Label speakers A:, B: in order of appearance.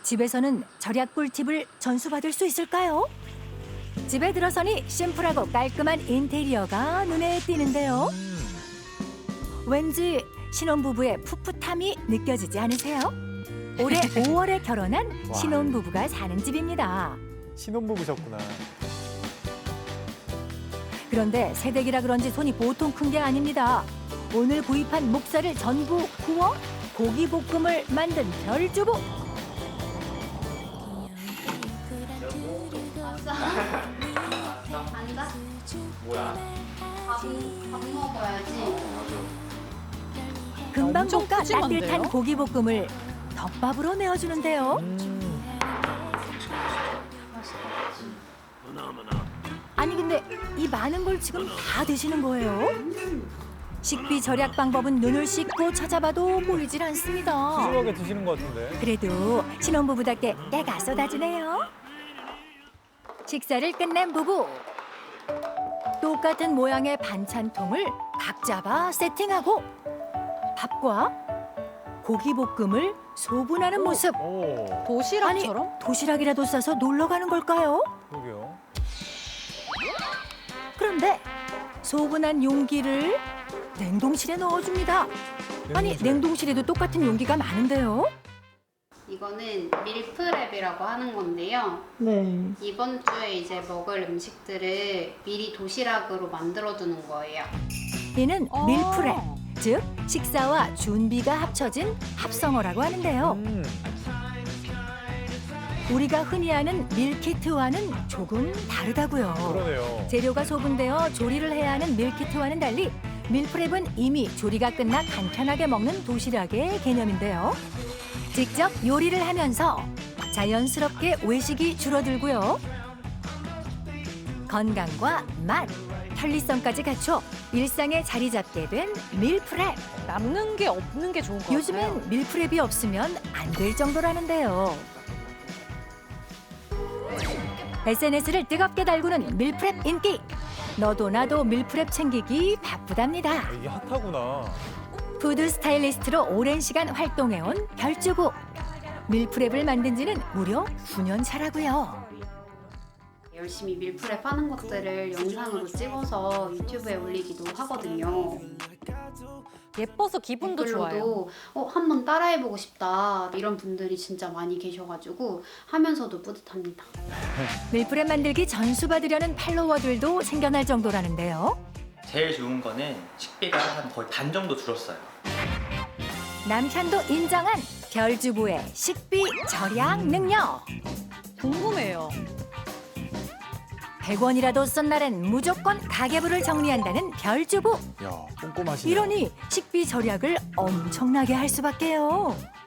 A: 집에서는 절약 꿀팁을 전수받을 수 있을까요? 집에 들어서니 심플하고 깔끔한 인테리어가 눈에 띄는데요. 왠지 신혼부부의 풋풋함이 느껴지지 않으세요? 올해 5월에 결혼한
B: 와.
A: 신혼부부가 사는 집입니다.
B: 신혼부부셨구나.
A: 그런데 새댁이라 그런지 손이 보통 큰 게 아닙니다. 오늘 구입한 목살을 전부 구워 고기볶음을 만든 별주부.
C: 앉아? 뭐야? 밥 먹어야지.
A: 금방
D: 엄청
A: 볶아
D: 푸짐한데요?
A: 따뜻한 고기볶음을 덮밥으로 내어주는데요. 아니 근데 이 많은 걸 지금 다 드시는 거예요? 식비 절약 방법은 눈을 씻고 찾아봐도 보이질 않습니다.
B: 푸짐하게 드시는 것 같은데.
A: 그래도 신혼부부답게 때가 쏟아지네요. 식사를 끝낸 부부. 똑같은 모양의 반찬통을 각 잡아 세팅하고 밥과 고기볶음을 소분하는 모습.
B: 오,
D: 도시락처럼?
A: 도시락이라도 싸서 놀러 가는 걸까요?
B: 그러게요.
A: 그런데 소분한 용기를 냉동실에 넣어줍니다. 아니
B: 냉동실에.
A: 냉동실에도 똑같은 용기가 많은데요.
C: 이거는 밀프렙이라고 하는 건데요.
D: 네.
C: 이번 주에 이제 먹을 음식들을 미리 도시락으로 만들어두는 거예요.
A: 이는
D: 아.
A: 밀프렙, 즉 식사와 준비가 합쳐진 합성어라고 하는데요. 우리가 흔히 아는 밀키트와는 조금 다르다고요.
B: 그러네요.
A: 재료가 소분되어 조리를 해야 하는 밀키트와는 달리 밀프렙은 이미 조리가 끝나 간편하게 먹는 도시락의 개념인데요. 직접 요리를 하면서 자연스럽게 외식이 줄어들고요. 건강과 맛, 편리성까지 갖춰 일상에 자리 잡게 된 밀프렙.
D: 남는 게 없는 게 좋은 것 같아요.
A: 요즘엔 밀프렙이 없으면 안 될 정도라는데요. SNS를 뜨겁게 달구는 밀프렙 인기. 너도 나도 밀프렙 챙기기 바쁘답니다.
B: 이게 핫하구나.
A: 푸드 스타일리스트로 오랜 시간 활동해온 별주부. 밀프렙을 만든 지는 무려 9년 차라고요.
C: 열심히 밀프렙 하는 것들을 영상으로 찍어서 유튜브에 올리기도 하거든요.
D: 예뻐서 기분도 좋아요.
C: 댓글로도 한번 따라해보고 싶다 이런 분들이 진짜 많이 계셔가지고 하면서도 뿌듯합니다.
A: 밀프렙 만들기 전수받으려는 팔로워들도 생겨날 정도라는데요.
E: 제일 좋은 거는 식비가 한 거의 반 정도 줄었어요.
A: 남편도 인정한 별주부의 식비 절약 능력.
D: 궁금해요.
A: 100원이라도 쓴 날엔 무조건 가계부를 정리한다는 별주부.
B: 야, 꼼꼼하시네.
A: 이러니 식비 절약을 엄청나게 할 수밖에요.